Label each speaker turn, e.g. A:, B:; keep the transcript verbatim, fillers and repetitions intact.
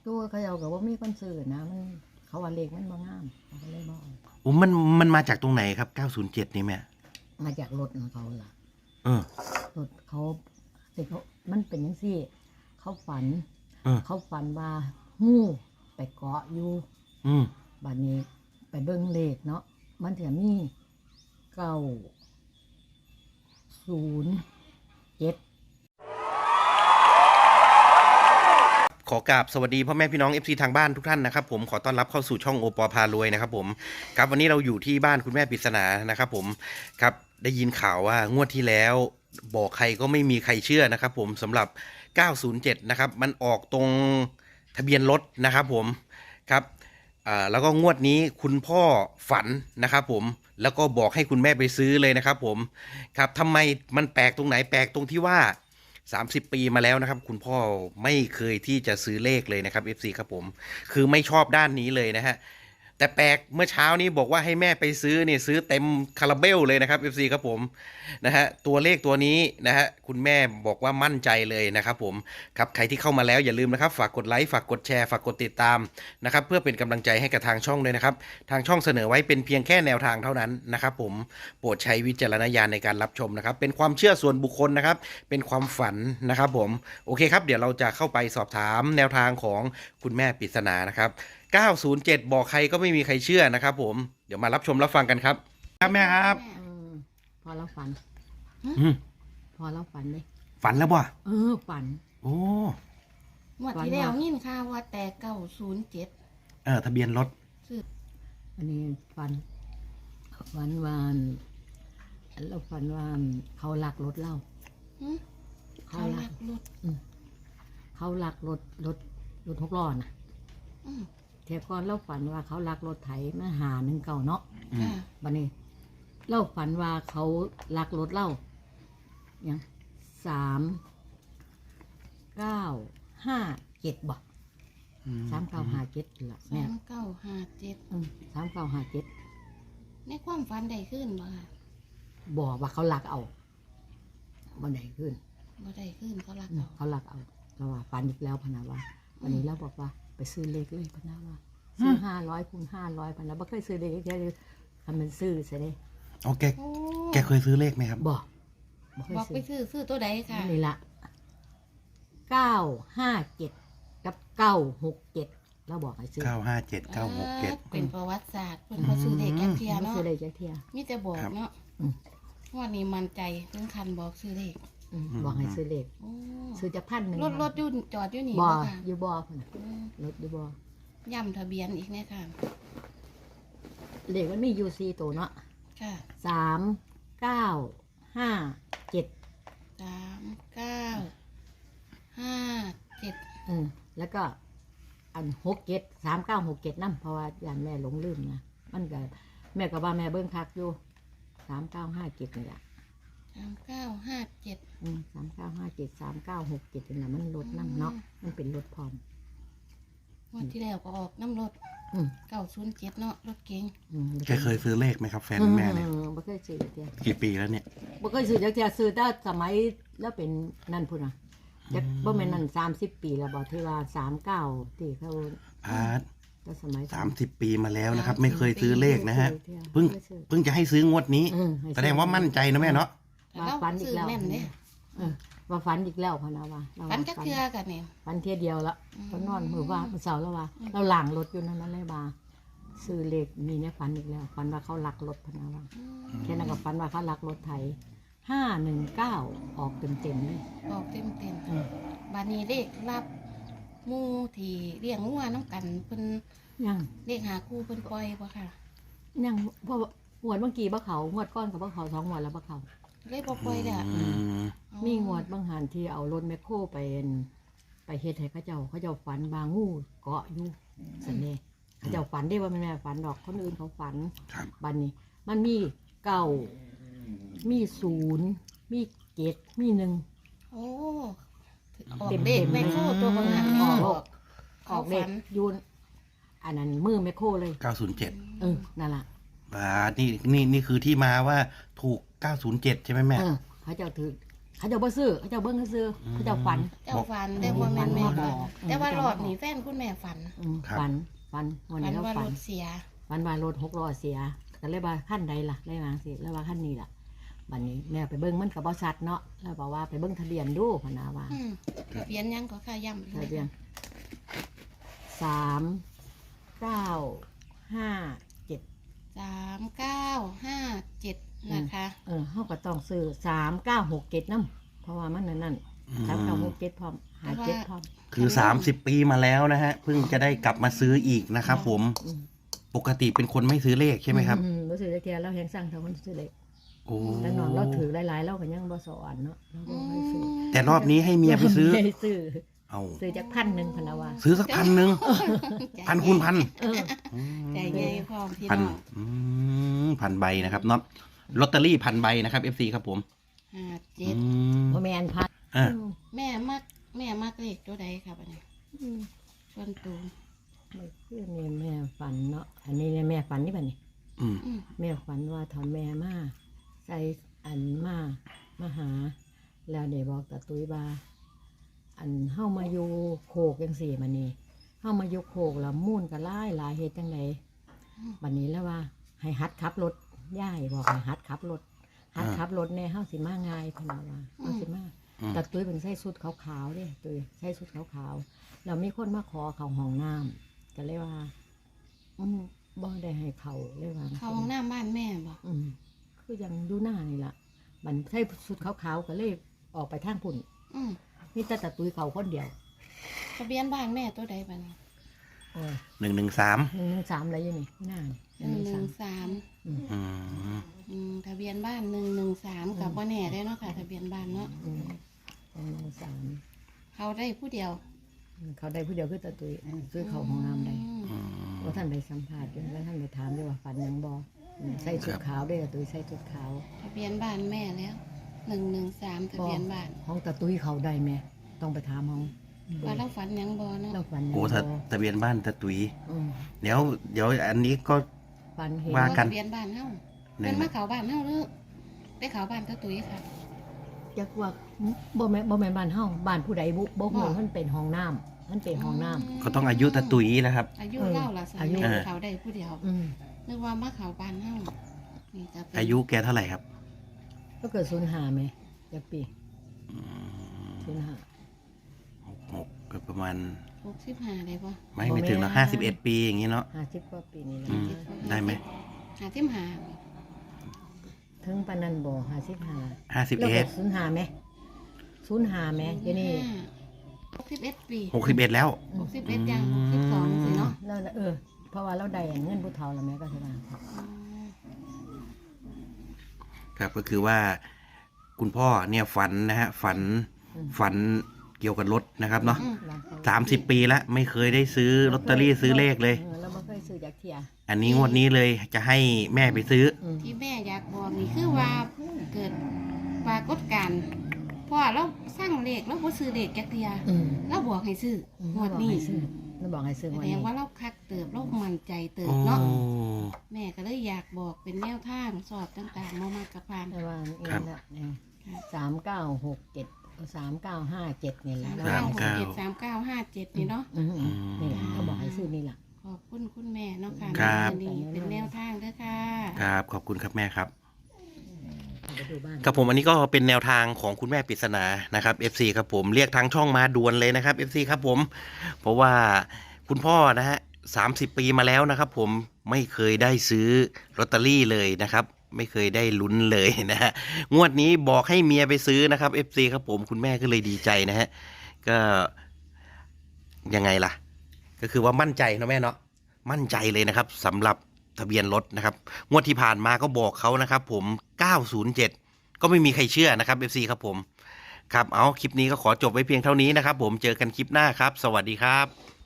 A: ตัวเขาเอากับว่ามีคนซื้อนะมันเขาว่าเลขมันบ่งามเขาก็เลยบ่เอา
B: โอ้มันมันมาจากตรงไหนครับเก้าศูนย์เจ็ดนี่แม่
A: มาจากรถของเขาล่ะ
B: เออ
A: รถเขาแต่เขามันเป็นยังซี่ เขาฝัน
B: เออ
A: เขาฝันว่างูไปเกาะอยู่
B: อืม
A: บัดนี้ไปเบิ่งเลขเนาะมันจะมีเก้าศูนย์เจ็ด
B: ขอกราบสวัสดีพ่อแม่พี่น้อง เอฟ ซี ทางบ้านทุกท่านนะครับผมขอต้อนรับเข้าสู่ช่องโอปอพารวยนะครับผมครับวันนี้เราอยู่ที่บ้านคุณแม่ปริศนานะครับผมครับได้ยินข่าวว่างวดที่แล้วบอกใครก็ไม่มีใครเชื่อนะครับผมสำหรับเก้าศูนย์เจ็ดนะครับมันออกตรงทะเบียนรถนะครับผมครับอ่าแล้วก็งวดนี้คุณพ่อฝันนะครับผมแล้วก็บอกให้คุณแม่ไปซื้อเลยนะครับผมครับทำไมมันแปลกตรงไหนแปลกตรงที่ว่าสามสิบปีมาแล้วนะครับคุณพ่อไม่เคยที่จะซื้อเลขเลยนะครับ เอฟ ซี ครับผมคือไม่ชอบด้านนี้เลยนะฮะแต่แปลกเมื่อเช้านี้บอกว่าให้แม่ไปซื้อเนี่ยซื้อเต็มคาราเบลเลยนะครับ เอฟ ซี ครับผมนะฮะตัวเลขตัวนี้นะฮะคุณแม่บอกว่ามั่นใจเลยนะครับผมครับใครที่เข้ามาแล้วอย่าลืมนะครับฝากกดไลค์ฝากกดแชร์ฝากกดติดตามนะครับเพื่อเป็นกำลังใจให้กับทางช่องด้วยนะครับทางช่องเสนอไว้เป็นเพียงแค่แนวทางเท่านั้นนะครับผมโปรดใช้วิจารณญาณในการรับชมนะครับเป็นความเชื่อส่วนบุคคลนะครับเป็นความฝันนะครับผมโอเคครับเดี๋ยวเราจะเข้าไปสอบถามแนวทางของคุณแม่ปริศนานะครับเก้าศูนย์เจ็ดบอกใครก็ไม่มีใครเชื่อนะครับผมเดี๋ยวมารับชมรับฟังกันครับครับแม่ครับ
A: อืมพอเราฝัน
B: อืม
A: พอเราฝันเลย
B: ฝันแล้วบ่
A: เออฝัน
B: โอ้
C: งวดที่แล้วยินข่าวว่าแต่เก้าศูนย์เจ็ด
B: เออทะเบียนรถ
A: อันนี้ฝันฝันว่าเราฝันว่าเขาลักรถเรา
C: เขาลักรถ
A: เขาลักรถรถรถหกล้อน่ะ
C: อืม
A: เทียก่อนเราฝันว่าเขาลักรถไถมาหาหนึ่งเก่าเนาะ
C: ค่ะ
A: บัดนี้ เราฝันว่าเขาลักรถเราอย่างสามเก้าห้าเจ็ดบ่สามเก้าห้าเจ็ดล่ะ
C: สา
A: แม่
C: มเก้าห้าเจ็ด
A: อืมสามเก้าห้าเจ็ด
C: ในความฝันได้ขึ้นบ่ค่ะ
A: บอกว่าเขาลักเอาบันไดขึ้น
C: บ่ได้ขึ้นเขาลัก
A: อืม
C: เอา
A: เขาลักเอาเราว่าฝันอีกแล้วพะนาว่าวันนี้เราบอกว่าไปซื้อเลขเลยพะนาว่าซื้อห้าร้อยคูณห้าร้อยพะนาบ่เคยซื้อเลขแค่ทำเป็นซื้อใช่ไหม
B: โอเค
C: โอ้
B: แกเคยซื้อเลขไหมครับ
A: บอกบ่เคย
C: บอกไป
A: ซื้อ
C: ซื้อซื้อตัวใดค่ะ
A: นี่ละเก้าห้าเจ็ดกับเก้าหกเจ็ดเราบอกให้ซื้อ
B: เก้าห้าเจ็ดเก้าหกเจ็ด
C: เป็นประวัติศาสตร์เพิ่นบ่ซื้อเด็กแก่เทีย
A: ไม่
C: เนาะ
A: ซื้อเลขแค่เทีย
C: มีแต่บอก
B: ครับ
C: เนาะ
A: อืม
C: งวันนี้มั่นใจถึงคันบอกซื้อเลข
A: อืมบอกให้ซื้อเลข
C: โอ้
A: ซื้อจะพันหนึ่ง
C: รถรถอยู่จอดอยู่นี่
A: บ่
C: บ่ค่ะ
A: อยู่บ่พุ่นน่ะ
C: อืม
A: รถอยู่บ่
C: ย้ำทะเบียนอีกแน่ค่ะ
A: เลขมันมีอยู่สี่ตัวเนาะ
C: ค่ะ
A: สามเก้าห้าเจ็ด
C: สามเก้าห้าเจ็ด
A: เออแล้วก็อันหกเจ็ดสามเก้าหกเจ็ดนั่นเพราะว่าอย่างแม่หลงลืมนะมันก็แม่ก็ว่าแม่เบิ้งคักอยู่สามเก้าห้าเจ็ดนี่แหละ
C: สามเก้าห้าเจ็ด
A: อืมสามเก้าห้าเจ็ดสามเก้าหกเจ็ดนี่แหละมันรถนั่เนาะมันเป็นรถพร้อม
C: งวันที่แล้วก็ออกน้ำรถ
A: อืม
C: เก้าศูนย์เจ็ดเนาะรถเก๋ง
A: อืม
B: แกเคยซื้อเลขไหมครับแฟนแม่เนี่ย
A: ออบ่เคยซื้อจักเดียว
B: กี่ปีแล้วเนี่ย
A: บ่เคยซื้อจักเดียวซื้อแต่สมัยแล้วเป็นนั่นพุ่นน่ะจักบ่แม่นนั่นสามสิบปีแล้วบ่ที่ว่าสามเก้าที่เขา
B: อาร์ต
A: แต่สมัย
B: สามสิบปีมาแล้วนะครับ ไม่เคยซื้อเลขนะฮะ
A: เที่ยว
B: เพิ่ง
A: ไม่ซื้อ
B: เพิ่งจะให้ซื้องวดนี้
A: เออให้ซื้อ
B: แสดงว่ามั่นใจนะแม่เนาะ
C: แต่เรา
A: ฝันอี
C: ซื้
A: ก
C: อ
A: แล้ว
C: แม่นเนี่ย
A: เออว่าฝันอีกแล้วพะนะว่าเรา
C: ฝัน
A: ว่า
C: จักเทือกันเนี่ย
A: ฝันเที่ยเดียวละ
C: อืม
A: ก็นอนมือว่ามือเสาร์แล้วว่า เราหลังรถอยู่นั่นนั่นเลยว่าซื้อเลขมีเนี่ยฝันอีกแล้วฝันว่าเขาลักรถพะนะว่าแค่นั้นก็ฝันว่าเขาลักรถไถห้าหนึ่งเก้าออกเต็มเต็มๆเลย
C: บอกเต็มเต็ม
A: เออบ
C: านี้เลขรับหมูที่เลี้ยงงัวน้ำกันเพิ่น
A: ยัง
C: เลขหาคู่เพิ่นปล่อยบ่ค่ะ
A: ยังเพราะว่าหวดเมื่อกี้บ่เขาหวดก้อนกับบ่เขาสองหวดแล้วบ่เขา
C: เลขบ่ปล่อยเด้อ
B: อืม
A: มีงวดบางหันที่เอารถแมคโครไปอั่นไปเฮ็ดให้เขาเจ้าเขาเจ้าฝันบางงูเกาะอยู่สันเน่เขาเจ้าฝันได้ว่าแม่นแม่ฝันดอกคนอื่นเขาฝัน
B: ครับ
A: บัดนี้ มันมีเก้ามีศูนย์มีเจ็ดมีหนึ่ง
C: โอ้ออก
A: เต็มๆ
C: เลขแม่โคตัวบางหัน
A: ออก
C: ออก
A: ออกเด็กยูนอันนั้นมือแมคโครเลย
B: เก้าศูนย์เจ็ด
A: เออนั่นล่ะ
B: อ่านี่นี่นี่คือที่มาว่าถูกเก้าศูนย์เจ็ดใช่ไหมแม่
A: เออเขาเจ้าถือเขาเจะบ่ซื้อเขาเจะเบิ่งซื้อเขาเจะฝัน
C: เจ้าฝันได้ว่าแม่นแม่
A: บ
C: ฝั
A: อน ก
C: แต่ว่ารอบนี้แฟนคุณแม่ฝัน
A: อืมฝันฝันวัน
C: ฝั
A: นี้
C: น
A: เรา
C: ว่า
A: ฝั
C: ร
A: น
C: ถเสีย
A: ฝันว่ารถหกล้อเสียก็เลยว่าขั้นใดล่ะเลยว่าสิแล้วว่าขั้นนี้ล่ะบัดนี้แม่ไปเบิ่งมันก็บ่ชัดเนาะแล้วบอกว่าไปเบิ่งทะเบียนดูพะนาว่า
C: อืมทะเบียนยังก็ค่าย่ำ
A: ทะเบียนสามเก้าห้าเจ็ด
C: สามเก้าห้าเจ็ดนะคะ
A: เออเขาก็ต้องซื้อสามเก้าหกเจ็ดน้ำเพราะว่ามันนั่นนั่นสามเก้าหกเจ็ดพร้อมหาเจ็ดพร้อม
B: คือสามสิบปีมาแล้วนะฮะเพิ่งจะได้กลับมาซื้ออีกนะครับผม
A: อืม
B: ปกติเป็นคนไม่ซื้อเลขใช่ไหมครับ
A: อืรู้สึกจะแกเราแหงสร้างเท่าคนซื้อเล็ก
B: โอ้
A: แต่นอนเราถือหลายๆเราก็ยังบ่สอนเนาะเราก็ให้ซื้อ
B: แต่รอบนี้ให้เมียไปซื้อ
A: ให้ซื้อ
B: เอา
A: ซื้อจากพันหนึ่งพนาวา
B: ซื้อสักพันหนึ่งพันคูณพัน
A: เออ
C: ใจใหญ่พร้อมพี่
B: พัน
C: น้อง
B: อืมพันใบนะครับเนาะลอตเตอรี่พันใบนะครับเอฟซีครับผม
C: ห้าเจ็ด
B: อืม
A: บ่แมนพัน
B: อ่ะ
C: แม่มักแม่มักเลขตัวใดครับอันนี้
A: อืม
C: ส่วนตัว
A: ไม่คือนี่แม่ฝันเนาะอันนี้เนี่ยแม่ฝันนี่บัดนี้
B: อืม
C: อืม
A: แม่ฝันว่าทำแม่มาใส่อันมามาหา แล้วเดี๋ยวบอกตาตุ้ยบาอันเฮามาอยู่โคกจังสี่มานี่เฮามาอยู่โคกแล้วมุ่นก็หลายหลายเฮ็ดจังไดบัดนี้แล้วว่า ให้หัดขับรถย่ายบอกให้หัดขับรถหัดขับรถแน่เฮาสิมาง่ายพะนาว่าเฮาสิมา
B: อืม
A: ตาตุ้ยเป็นใส่สุดขาวๆเด้ตุ้ยใส่สุดขาวๆแล้วมีคนมาขอเขาห้องน้ำก็เลยว่าอืมบ่ได้ให้เขาเลยว่า
C: เข้าห้องน้ำบ้านแม่บ่
A: อืมคือยังดูหน้านี่ล่ะมันใส่สุดขาวๆก็เลยออกไปทางพุ่น
C: อืม
A: มีแต่ตาตุ้ยเขาคนเดียว
C: ทะเบียนบ้านแม่ตัวใดบ้าง
A: โอ้ย
B: หนึ่งหนึ่งสาม
A: หนึ่งหนึ่งสามอะไรอยู่นี่หน้านี่
C: หนึ่งหนึ่งสาม
A: อืม
B: อืม
C: อืมทะเบียนบ้านหนึ่งหนึ่งสามกับว่าแน่ได้เนาะค่ะ ทะเบียนบ้านเนาะ
A: อืมหนึ่งหนึ่งสาม
C: เขาได้ผู้เดียว
A: เขาได้ผู้เดียวคือตาตุ้ยซื้อเขาห้องน้ำได้
C: อืม
B: อืม
A: ว่าท่านไปสัมภาษณ์อยู่แล้วท่านไปถามด้วยว่าฝันหยังบอมใส่ชุดขาวได้ตาตุ้ยใส่ชุดขาว
C: ทะเบียนบ้านแม่แล้วหนึ่งหนึ่งสามทะเบียนบ้าน
A: ห้องตาตุ้ยเขาได้ไหมต้องไปถามห้อง
C: ว่าเราฝันหยังบอเนาะ
A: เราฝันหยัง
B: โอ้
A: บ่
B: ถ้าทะเบียนบ้านตะตุย
A: อืม
B: เดี๋ยวเดี๋ยวอันนี้ก็
A: ฝันเห็น
B: ว่ากัน
C: ทะเบียนบ้านเฮา
B: หนึ่
C: เป็
B: ง
C: นมาเขาบ้านเฮาหรือไปเขาบ้านตะตุ้ยค่ะ
A: จักว่าบ่แม่นบ่แม่นบ้านเฮาบ้านผู้ใดบุบ่ฮู้มันเป็นห้องน้ำมันเป็นห้องน้ำ
B: ก็ต้องอายุตะตุยแล้วครับ
C: อายุ
A: เออ
C: เล่าละสา
A: อายุ
C: มีเขาได้ผู้เดียว
A: อืม
C: นึกว่ามาเขาบ้านเฮานี่จะเป็น
B: อายุแกเท่าไหร่ครับ
A: ก็เกิดศูนย์ห้าไหมจักปี
B: อืม
A: ศูนย์ห้า
B: หกหกก็ประมาณ
C: หกสิบห้าได้ปะ
B: ไม่ไม่ถึงหรอกห้าสิบเอ็ดปีอย่างนี้เนาะ
A: ห้าสิบกว่าปีนี่แหละ
B: อืม ได้ไหม
C: หาสิบห้า
A: ถึงปานนั้นบ่ห้าสิบห้า
B: ห้าสิบ
A: แล้ว
B: เอ็
A: ก็
B: ด
A: ศูนย์ห้าไหมศูนย์ห้าไหมเดี๋ยวนี้
C: หกสิบเอ็ดปี
B: หกสิบเอ็ดแล้ว
C: หกสิบเอ็ดอย่างหกสิบสองสิเนาะ
A: แล้วเออ เพราะว่าเราได้เงินผู้เฒ่าแล้วแม่ก็สิว่า
C: อืม
B: ครับก็คือว่า คุณพ่อเนี่ยฝันนะฮะฝันฝันเกี่ยวกับรถนะครับเนาะ
C: อืม
A: ร้านเขา
B: สามสิบปีแล้วไม่เคยได้ซื้อลอตเตอรี่ซื้อเลขเลย
A: ออเราไม่เคยซื้อจากเทีย
B: อันนี้งวดนี้เลยจะให้แม่ไปซื้อ
A: อืม
C: ที่แม่อยากบอกนี่คือว่าเกิดปรากฏการณ์เพราะว่าเราสร้างเลขเราบ่ซื้อเลขจักเทีย
A: อืม
C: เราบอกให้ซื้อ
A: อืม
C: งวดนี้
A: เราบอกให้ซื้อ
C: แส
A: งวด
C: ด
A: นี้
C: งว่าเราคักเติบเรามั่นใจเติบ
B: โอ้
C: เนาะแม่ก็เลยอยากบอกเป็นแนวทางสอบต่างๆมามากกับพาน
A: แต่ว่า
B: ครับ
A: นี่แหละเนี่ยสามเก้าหกเจ็ดสามเก้าห้าเจ็ดนี่แหละ
C: สาม
B: ครั
C: เก้า
B: บ
C: หกเจ็ดสามเก้าห้าเจ็ดนี่เนาะ
A: อืมอืมนี่แหละเขาบอกให้ซื้อนี่แหละ
C: ขอบคุณคุณแม่เนาะค่ะ
B: ครับ
C: นี่เป็นแนวทางเด้อค่ะ
B: ครับขอบคุณครับแม่ครับ
A: ไปดูบ้าน
B: ครับผมอันนี้ก็เป็นแนวทางของคุณแม่ปริศนานะครับ เอฟ ซี ครับผมเรียกทางช่องมาด่วนเลยนะครับ เอฟ ซี ครับผมเพราะว่าคุณพ่อนะฮะสามสิบปีมาแล้วนะครับ ผมไม่เคยได้ซื้อลอตเตอรี่เลยนะครับ ไม่เคยได้ลุ้นเลยนะฮะงวดนี้บอกให้เมียไปซื้อนะครับ เอฟ ซี ครับผมคุณแม่ก็เลยดีใจนะฮะก็ยังไงล่ะ ก็คือว่ามั่นใจนะแม่เนาะมั่นใจเลยนะครับสำหรับทะเบียนรถนะครับงวดที่ผ่านมาก็บอกเขานะครับผมเก้าศูนย์เจ็ดก็ไม่มีใครเชื่อนะครับ เอฟ ซี ครับผมครับเอาคลิปนี้ก็ขอจบไว้เพียงเท่านี้นะครับผมเจอกันคลิปหน้าครับ สวัสดีครับ